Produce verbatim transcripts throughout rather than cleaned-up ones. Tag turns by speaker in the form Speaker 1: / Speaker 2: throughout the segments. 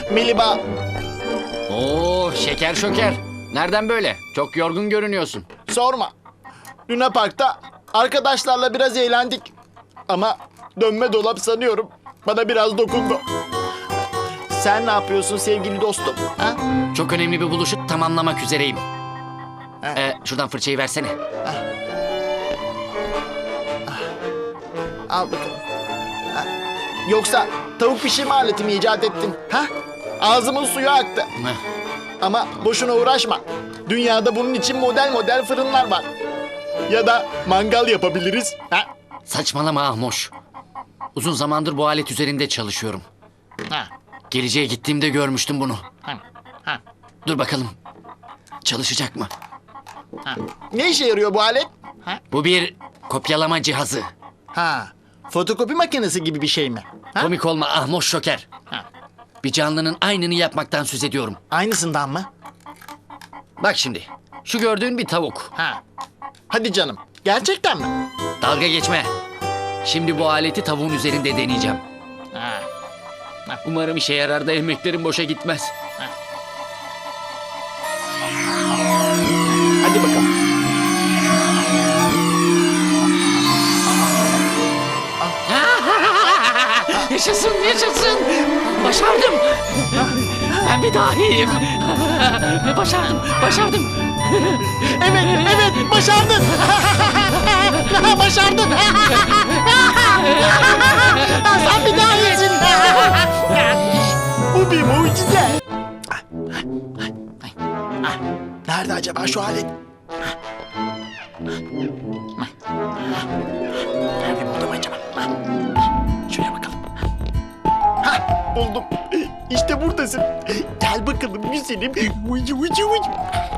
Speaker 1: Miliba.
Speaker 2: Oo, şeker şoker. Nereden böyle? Çok yorgun görünüyorsun.
Speaker 1: Sorma. Luna Park'ta arkadaşlarla biraz eğlendik. Ama dönme dolap sanıyorum bana biraz dokundu. Sen ne yapıyorsun sevgili dostum? Ha?
Speaker 2: Çok önemli bir buluşu tamamlamak üzereyim.
Speaker 1: Ha.
Speaker 2: Ee, şuradan fırçayı versene.
Speaker 1: Al bakalım. Ha. Yoksa tavuk pişirme aleti mi icat ettin? Ha? Ağzımın suyu aktı.
Speaker 2: Heh.
Speaker 1: Ama boşuna uğraşma. Dünyada bunun için model model fırınlar var. Ya da mangal yapabiliriz. Ha?
Speaker 2: Saçmalama Ahmoş. Uzun zamandır bu alet üzerinde çalışıyorum.
Speaker 1: Ha.
Speaker 2: Geleceğe gittiğimde görmüştüm bunu.
Speaker 1: Ha. Ha.
Speaker 2: Dur bakalım. Çalışacak mı?
Speaker 1: Ha. Ne işe yarıyor bu alet? Ha?
Speaker 2: Bu bir kopyalama cihazı.
Speaker 1: Ha. Fotokopi makinesi gibi bir şey mi? Ha?
Speaker 2: Komik olma Ahmoş şoker.
Speaker 1: Ha.
Speaker 2: Bir canlının aynını yapmaktan söz ediyorum.
Speaker 1: Aynısından mı?
Speaker 2: Bak şimdi. Şu gördüğün bir tavuk.
Speaker 1: Ha. Hadi canım. Gerçekten mi?
Speaker 2: Dalga geçme. Şimdi bu aleti tavuğun üzerinde deneyeceğim.
Speaker 1: Ha.
Speaker 2: Umarım işe yarar da emeklerim boşa gitmez.
Speaker 1: Hadi bakalım.
Speaker 2: Yaşasın, yaşasın. Başardım. Ben bir dahiyim. Başardım, başardım.
Speaker 1: Evet, evet. Başardın. Başardın. Sen bir daha iyisin. Bu bir mucize. Nerede acaba şu alet? Nerede, burada mı acaba? Şöyle bakalım. Hah, buldum. İşte buradasın. Gel bakalım güzelim. Ucu ucu ucu.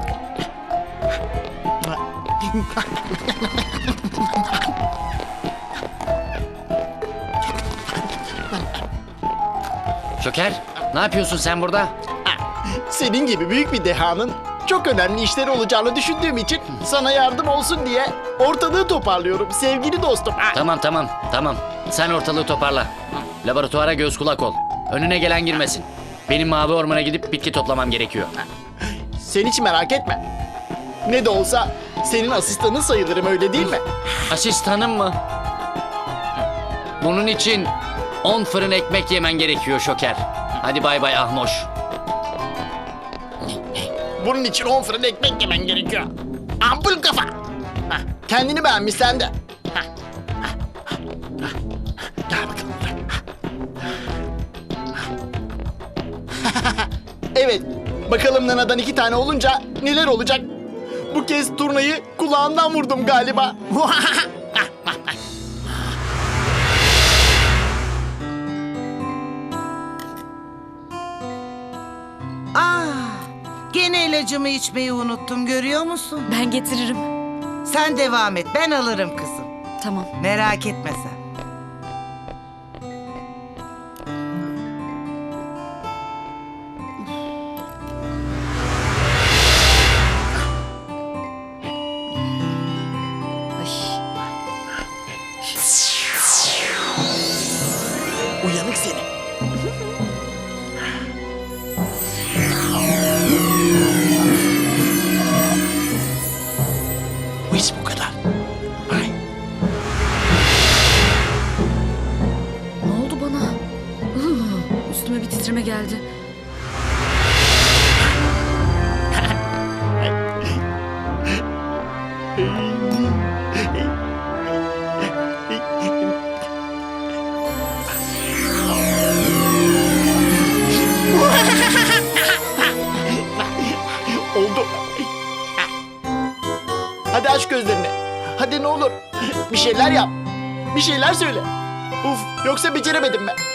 Speaker 2: Şoker, ne yapıyorsun sen burada?
Speaker 1: Senin gibi büyük bir dehanın çok önemli işleri olacağını düşündüğüm için sana yardım olsun diye ortalığı toparlıyorum sevgili dostum.
Speaker 2: Tamam, tamam, tamam. Sen ortalığı toparla. Laboratuvara göz kulak ol. Önüne gelen girmesin. Benim mavi ormana gidip bitki toplamam gerekiyor.
Speaker 1: Sen hiç merak etme. Ne de olsa senin asistanın sayılırım, öyle değil mi?
Speaker 2: Asistanım mı? Bunun için on fırın ekmek yemen gerekiyor Şoker. Hadi bay bay Ahmoş.
Speaker 1: Bunun için on fırın ekmek yemen gerekiyor. Ampul kafa. Hah, kendini beğenmişsen de. Hah, hah, hah, hah. Gel bakalım. Evet. Bakalım Nana'dan iki tane olunca neler olacak? Bu kez turnayı kulağından vurdum galiba.
Speaker 3: Ah, gene ilacımı içmeyi unuttum, görüyor musun?
Speaker 4: Ben getiririm.
Speaker 3: Sen devam et, ben alırım kızım.
Speaker 4: Tamam.
Speaker 3: Merak etme sen.
Speaker 4: Ay.
Speaker 1: Uyanık seni. Bu iş bu kadar. Ay.
Speaker 4: Ne oldu bana? Hıh, üstüme bir titreme geldi.
Speaker 1: Oldu. Hadi aç gözlerini. Hadi ne olur. Bir şeyler yap. Bir şeyler söyle. Uf, yoksa beceremedim ben.